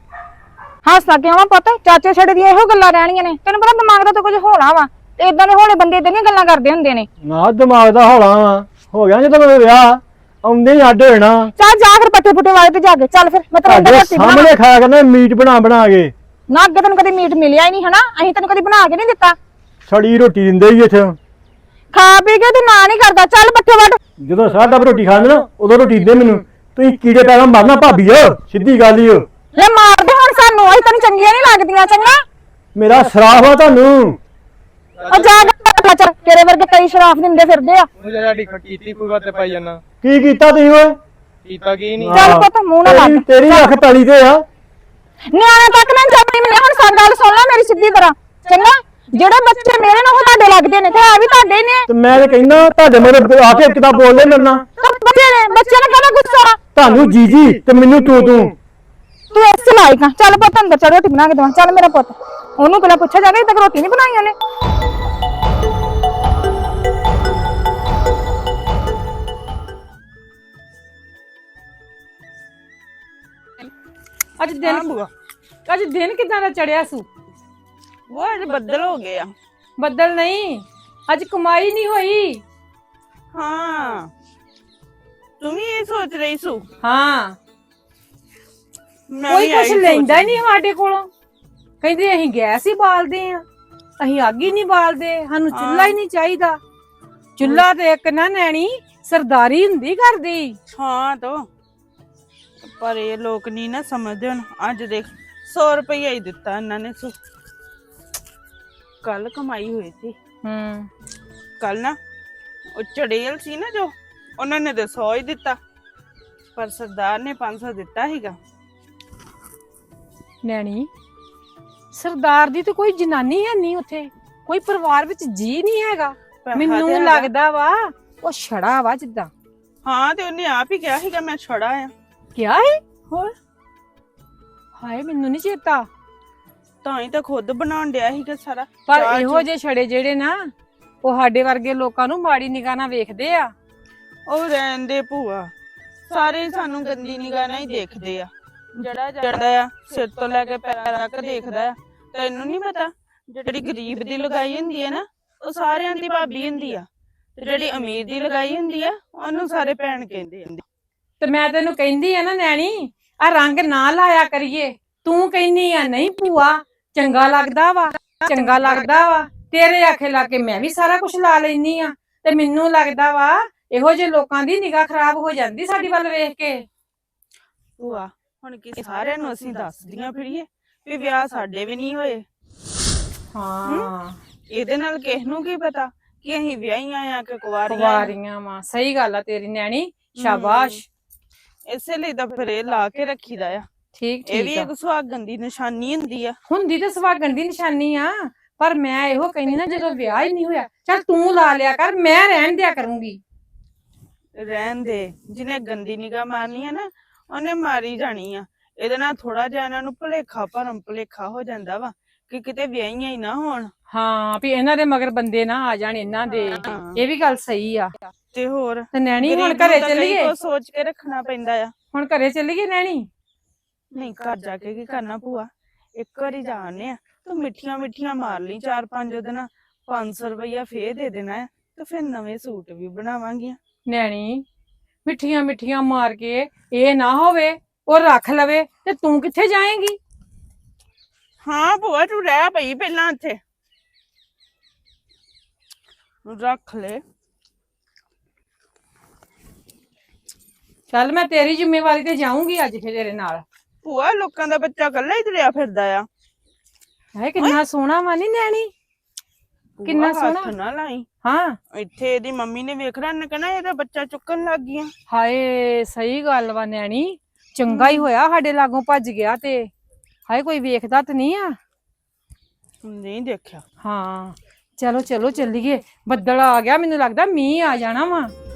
C: ਹੱਸਦਾ ਕਿਉਂ ਵਾ ਪੁੱਤ? ਚਾਚੇ ਛੜੇ ਦੀਆਂ ਇਹੋ ਗੱਲਾਂ ਰਹਿਣੀਆਂ ਨੇ। ਤੈਨੂੰ ਪਤਾ ਦਿਮਾਗ ਦਾ ਤਾਂ ਕੁਝ ਹੋਣਾ ਵਾ, ਤੇ ਇਦਾਂ ਦੇ ਹੋਲੇ ਬੰਦੇ ਇਦਾਂ ਦੀਆਂ ਗੱਲਾਂ ਕਰਦੇ ਹੁੰਦੇ ਨੇ।
F: ਨਾ ਦਿਮਾਗ ਦਾ ਹੌਲਾ ਵਾ, ਹੋ ਗਿਆ ਜਦੋਂ ਮੇਰਾ ਵਿਆਹ, ਆਉਂਦੇ ਹੀ ਅੱਡ ਹੋ ਜਾਣਾ।
C: ਚੱਲ ਜਾ ਫਿਰ ਪੱਠੇ ਪੁੱਠੇ ਵਾਲੇ ਤੇ ਜਾ ਕੇ। ਚੱਲ ਫਿਰ ਮੈਂ ਤੇਰੇ ਅੰਦਰ
F: ਤੁਹਾਡੇ
C: ਰੋਟੀ ਬਣਾ।
F: ਸਾਹਮਣੇ ਖਾਇਆ ਕਰਨਾ ਮੀਟ ਬਣਾ ਕੇ।
C: ਨਾ ਅੱਗੇ ਤੈਨੂੰ ਕਦੇ ਮੀਟ ਮਿਲਿਆ ਹੀ ਨਹੀਂ ਹਨਾ, ਅਸੀਂ ਤੈਨੂੰ ਕਦੀ ਬਣਾ ਕੇ ਨਹੀਂ ਦਿੱਤਾ।
F: ਸੜੀ ਰੋਟੀ ਦਿੰਦੇ ਹੀ ਇੱਥੇ।
C: ਖਾ ਪੀ ਕੇ ਤੂੰ ਨਾ ਨਹੀਂ ਕਰਦਾ। ਚੱਲ ਪੱਠੇ ਵੱਢ।
F: ਜਦੋਂ ਸਾਡਾ ਰੋਟੀ ਖਾਂਦੇ ਨਾ ਉਦੋਂ ਰੋਟੀ ਦਿੰਦੇ ਮੈਨੂੰ। ਤੁਸੀਂ ਕੀੜੇ ਪੈਦਾ ਮਾਰਨਾ ਭਾਬੀ ਓ, ਸਿੱਧੀ ਗੱਲ ਹੀ ਓ।
C: ਲੈ ਮਾਰਦੇ ਹੁਣ ਸਾਨੂੰ, ਅਸੀਂ ਤੈਨੂੰ ਚੰਗੀਆਂ ਨਹੀਂ ਲੱਗਦੀਆਂ। ਚੰਗਾ
F: ਮੇਰਾ ਸਰਾਫ ਆ ਤੁਹਾਨੂੰ।
C: ਆ ਜਾ ਕੇ ਚੱਲ, ਤੇਰੇ ਵਰਗੇ ਕਈ ਸ਼ਰਾਫ ਦਿੰਦੇ ਫਿਰਦੇ ਆ।
D: ਉਹ ਜਿਹੜੀ ਕੀਤੀ ਕੋਈ ਗੱਲ ਤੇ ਪਾਈ ਜਾਣਾ।
F: ਕੀ ਕੀਤਾ ਤੁਸੀਂ ਓਏ?
D: ਕੀਤਾ ਕੀ ਨਹੀਂ?
C: ਚੱਲ ਪੁੱਤ ਮੂੰਹ ਨਾ ਲੱਗ।
F: ਤੇਰੀ ਅੱਖ ਪੈਲੀ ਤੇ ਆ।
C: ਨਿਆਣੇ ਤੱਕ ਨਾ ਜਾਣੀ ਮੈਨੂੰ। ਹੁਣ ਸਾਡੀ ਗੱਲ ਸੁਣ ਲੈ ਮੇਰੀ ਸਿੱਧੀ ਤਰ੍ਹਾਂ। ਚੰਗਾ ਜਿਹੜੇ ਬੱਚੇ ਮੇਰੇ ਨਾਲ ਉਹ ਤੁਹਾਡੇ ਲੱਗਦੇ ਨੇ ਤੇ ਹੈ ਵੀ ਤੁਹਾਡੇ ਨੇ।
F: ਤੇ ਮੈਂ ਤੇ ਕਹਿੰਦਾ ਤੁਹਾਡੇ ਮਗਰ ਆ ਕੇ ਕਿਦਾਂ ਬੋਲਦੇ ਮੇਰੇ ਨਾਲ।
C: ਤਾਂ ਬੱਚੇ ਨੇ, ਬੱਚਿਆਂ ਨੂੰ ਕਹਿੰਦਾ ਗੁੱਸਾ।
F: ਤੁਹਾਨੂੰ ਜੀਜੀ ਤੇ ਮੈਨੂੰ ਤੂੰ
C: ਤੂੰ ਇਸ ਲਾਇਕ ਆ। ਚੱਲ ਪੁੱਤ ਅੰਦਰ ਚੱਲ, ਰੋਟੀ ਬਣਾ ਕੇ ਦਵਾ। ਚੱਲ ਮੇਰਾ ਪੁੱਤ। ਉਹਨੂੰ ਪਹਿਲਾਂ ਪੁੱਛਿਆ ਜਾਵੇ, ਤੱਕ ਰੋਟੀ ਨਹੀਂ ਬਣਾਈ ਉਹਨੇ।
J: ਅੱਜ ਦਿਨ ਕਿਦਾਂ ਦਾ ਚੜਿਆ ਸੂ?
K: ਉਹ ਅੱਜ ਬੱਦਲ ਹੋ ਗਏ ਆ।
J: ਬੱਦਲ ਨਹੀਂ, ਅੱਜ ਕਮਾਈ ਨਹੀਂ ਹੋਈ।
K: ਹਾਂ, ਤੂੰ ਵੀ ਇਹ ਸੋਚ ਰਹੀ ਸੂ?
J: ਹਾਂ,
K: ਮੈਂ
J: ਕੋਈ
K: ਵੀ
J: ਕੁਛ
K: ਇਹੀ
J: ਲੈਂਦਾ
K: ਸੋਚ
J: ਨਹੀਂ ਸਾਡੇ ਕੋਲੋਂ। ਕਹਿੰਦੇ ਅਸੀਂ ਗੈਸ ਹੀ ਬਾਲਦੇ ਆ, ਅਸੀਂ ਅੱਗ ਹੀ ਨਹੀਂ ਬਾਲਦੇ, ਸਾਨੂੰ ਚੁੱਲ੍ਹਾ ਹੀ ਨਹੀਂ ਚਾਹੀਦਾ। ਚੁੱਲ੍ਹਾ ਤੇ ਇੱਕ ਨਾ ਨੈਣੀ ਸਰਦਾਰੀ ਹੁੰਦੀ ਕਰਦੀ।
K: ਹਾਂ ਤੋ, ਪਰ ਇਹ ਲੋਕ ਨਹੀਂ ਨਾ ਸਮਝਦੇ। ਹੁਣ ਅੱਜ ਦੇਖ 100 ਰੁਪਇਆ ਹੀ ਦਿੱਤਾ ਇਹਨਾਂ ਨੇ ਸੂ। ਕੱਲ ਕਮਾਈ ਹੋਈ ਸੀ। ਕੱਲ ਨਾ ਉਹ ਚੜੇਲ ਸੀ ਨਾ ਜੋ, ਉਹਨਾਂ ਨੇ ਤਾਂ 100 ਹੀ ਦਿੱਤਾ, ਪਰ ਸਰਦਾਰ ਨੇ 500 ਦਿੱਤਾ ਸੀਗਾ।
J: ਨੈਣੀ ਸਰਦਾਰ ਦੀ ਤੇ ਕੋਈ ਜਨਾਨੀ ਹੈ ਨਹੀਂ ਉੱਥੇ, ਕੋਈ ਪਰਿਵਾਰ ਵਿੱਚ ਜੀ ਨਹੀਂ ਹੈਗਾ। ਮੈਨੂੰ ਲੱਗਦਾ ਵਾ ਉਹ ਛੜਾ ਵਾ ਜਿੱਦਾਂ।
K: ਹਾਂ ਤੇ ਉਹਨੇ ਆਪ ਹੀ ਕਿਹਾ ਸੀਗਾ ਮੈਂ ਛੜਾ ਆ।
J: ਕਿਆ ਹੈ? ਹੋਰ ਹਾਏ ਮੈਨੂੰ ਨਹੀਂ ਚੇਤਾ।
K: ਤਾਂ ਹੀ ਤਾਂ ਖੁਦ ਬਣਾਉਣ ਡਿਆ ਸੀਗਾ ਸਾਰਾ।
J: ਪਰ ਇਹੋ ਜਿਹੇ ਛੜੇ ਜਿਹੜੇ ਨਾ ਉਹ ਸਾਡੇ ਵਰਗੇ ਲੋਕਾਂ ਨੂੰ ਮਾੜੀ ਨਿਗਾਹ ਨਾਲ ਵੇਖਦੇ ਆ।
K: ਉਹ ਰਹਿੰਦੇ ਭੂਆ, ਸਾਰੇ ਸਾਨੂੰ ਗੰਦੀ ਨਿਗਾਹ ਨਾਲ ਹੀ ਦੇਖਦੇ ਆ। ਜਿਹੜਾ ਜਾਂਦਾ ਆ ਸਿਰ ਤੋਂ ਲੈ ਕੇ ਪੈਰਾਂ ਤੱਕ ਦੇਖਦਾ ਆ। ਤੈਨੂੰ ਨਹੀਂ ਪਤਾ ਜਿਹੜੀ ਗਰੀਬ ਦੀ ਲਗਾਈ ਹੁੰਦੀ ਹੈ ਨਾ ਉਹ ਸਾਰਿਆਂ ਦੀ ਭਾਬੀ ਹੁੰਦੀ ਆ, ਤੇ ਜਿਹੜੀ ਅਮੀਰ ਦੀ ਲਗਾਈ ਹੁੰਦੀ ਆ ਉਹਨੂੰ ਸਾਰੇ ਭੈਣ ਕਹਿੰਦੇ ਆ।
J: ਤੇ ਮੈਂ ਤੈਨੂੰ ਕਹਿੰਦੀ ਆ ਨਾ ਨੈਣੀ, ਆ ਰੰਗ ਨਾ ਲਾਇਆ ਕਰੀਏ। ਤੂੰ ਕਹਿੰਦੀ ਆ ਨਹੀਂ ਭੂਆ ਚੰਗਾ ਲੱਗਦਾ ਵਾ, ਚੰਗਾ ਲੱਗਦਾ ਵਾ। ਤੇਰੇ ਆਖੇ ਲਾ ਕੇ ਮੈਂ ਵੀ ਸਾਰਾ ਕੁਝ ਲਾ ਲੈਨੀ ਆ, ਤੇ ਮੈਨੂੰ ਲੱਗਦਾ ਵਾ ਇਹੋ ਜਿਹੇ ਲੋਕਾਂ ਦੀ ਨਿਗਾਹ ਖਰਾਬ ਹੋ ਜਾਂਦੀ ਸਾਡੀ ਵੱਲ ਵੇਖ ਕੇ।
K: ਭੂਆ ਹੁਣ ਕਿ ਸਾਰਿਆਂ ਨੂੰ ਅਸੀਂ ਦੱਸਦੀਆਂ ਫਿਰੀਏ ਵੀ ਵਿਆਹ ਸਾਡੇ ਵੀ ਨਹੀਂ ਹੋਏ।
J: ਹਾਂ,
K: ਇਹਦੇ ਨਾਲ ਕਿਸ ਨੂੰ ਕੀ ਪਤਾ ਕਿ ਅਸੀਂ ਵਿਆਹੀਆਂ ਆ ਕਿ
J: ਕੁਵਾਰੀਆਂ ਵਾ। ਸਹੀ ਗੱਲ ਆ ਤੇਰੀ ਨੈਣੀ, ਸ਼ਾਬਾਸ਼।
K: ਇਸੇ ਲਈ ਤਾਂ ਫਿਰ ਇਹ ਲਾ ਕੇ ਰੱਖੀਦਾ ਆ।
J: ਠੀਕ
K: ਇਹ ਵੀ
J: ਠੀਕ ਆ।
K: ਇੱਕ ਸੁਹਾਗਣ ਦੀ ਨਿਸ਼ਾਨੀ ਹੁੰਦੀ ਆ।
J: ਹੁੰਦੀ ਤੇ ਸੁਹਾਗਣ ਦੀ ਨਿਸ਼ਾਨੀ ਆ, ਪਰ ਮੈਂ ਇਹੋ ਕਹਿੰਦੀ ਨਾ ਜਦੋਂ ਵਿਆਹ ਹੀ ਨਹੀਂ ਹੋਇਆ ਚੱਲ ਤੂੰ ਲਾ ਲਿਆ ਕਰ, ਮੈਂ ਰਹਿਣ ਦਿਆ ਕਰੂੰਗੀ।
K: ਰਹਿਣ ਦੇ, ਜਿਹਨੇ ਗੰਦੀ ਨਿਗਾਹ ਮਾਰਨੀ ਆ ਨਾ ਉਹਨੇ ਮਾਰੀ ਜਾਣੀ ਆ। ਇਹਦੇ ਨਾਲ ਥੋੜਾ ਜਿਹਾ ਇਹਨਾਂ ਨੂੰ ਭਰਮ ਭੁਲੇਖਾ ਹੋ ਜਾਂਦਾ ਵਾ ਕਿ ਕਿਤੇ ਵਿਆਹੀਆਂ ਹੀ ਨਾ ਹੋਣ।
J: ਹਾਂ ਵੀ ਇਹਨਾਂ ਦੇ ਮਗਰ ਬੰਦੇ ਨਾ ਆ ਜਾਣ ਇਹਨਾਂ ਦੇ, ਇਹ ਵੀ ਗੱਲ ਸਹੀ ਆ।
K: ਤੇ ਹੋਰ
J: ਤੇ ਨੈਣੀ ਹੁਣ
K: ਗਰੀਬ ਨੂੰ
J: ਘਰੇ
K: ਤਾਂ ਕਈ
J: ਚੱਲੀਏ,
K: ਕੁਛ ਸੋਚ ਕੇ ਰੱਖਣਾ ਪੈਂਦਾ ਆ।
J: ਹੁਣ ਘਰੇ ਚੱਲੀਏ ਨੈਣੀ?
K: ਨਹੀਂ, ਘਰ ਜਾ ਕੇ ਕੀ ਕਰਨਾ ਭੂਆ, ਇੱਕ ਵਾਰੀ ਜਾਣੇ ਆ। ਤੂੰ ਮਿੱਠੀਆਂ ਮਿੱਠੀਆਂ ਮਾਰ ਲਈ 4-5 ਦਿਨ, 500 ਰੁਪਇਆ ਫੇਰ ਦੇ ਦੇਣਾ ਹੈ ਤੇ ਫਿਰ ਨਵੇਂ ਸੂਟ ਵੀ ਬਣਾਵਾਂਗੀਆਂ।
J: ਨੈਣੀ ਮਿੱਠੀਆਂ ਮਿੱਠੀਆਂ ਮਾਰ ਕੇ ਇਹ ਨਾ ਹੋਵੇ ਉਹ ਰੱਖ ਲਵੇ ਤੇ ਤੂੰ ਕਿੱਥੇ ਜਾਏਂਗੀ?
K: ਹਾਂ ਭੂਆ, ਤੂੰ ਰਹਿ ਪਈ ਪਹਿਲਾਂ ਇੱਥੇ, ਰੱਖ ਲੈ।
J: ਚੱਲ ਮੈਂ ਤੇਰੀ ਜ਼ਿੰਮੇਵਾਰੀ ਤੇ ਜਾਊਂਗੀ ਅੱਜ ਫਿਰ ਤੇਰੇ ਨਾਲ।
K: ਭੂਆ, ਲੋਕਾਂ ਦਾ ਬੱਚਾ ਇਕੱਲਾ ਹੀ ਤੁਰਿਆ ਫਿਰਦਾ ਆ।
J: ਹੈ ਕਿੰਨਾ ਸੋਹਣਾ ਵਾ ਨੀ ਨੈਣੀ, ਕਿੰਨਾ
K: ਭੂਆ,
J: ਸੋਹਣਾ।
K: ਹੱਥ ਨਾ ਲਾਈ,
J: ਹਾਂ
K: ਇੱਥੇ ਇਹਦੀ ਮੰਮੀ ਨੇ ਵੇਖ ਲਿਆ, ਇਹਨੇ ਕਹਿਣਾ ਇਹਦਾ ਬੱਚਾ ਚੁੱਕਣ ਲੱਗ ਗਈਆਂ।
J: ਹਾਏ ਸਹੀ ਗੱਲ ਵਾ ਨੈਣੀ, ਚੰਗਾ ਹੀ ਹੋਇਆ ਸਾਡੇ ਲਾਗੋਂ ਭੱਜ ਗਿਆ। ਤੇ ਹਾਏ ਕੋਈ ਵੇਖਦਾ ਤੇ ਨਹੀਂ ਆ?
K: ਨਹੀਂ ਦੇਖਿਆ।
J: ਹਾਂ ਚਲੋ ਚਲੋ ਚੱਲੀਏ, ਬੱਦਲ ਆ ਗਿਆ, ਮੈਨੂੰ ਲੱਗਦਾ ਮੀਂਹ ਆ ਜਾਣਾ ਵਾ।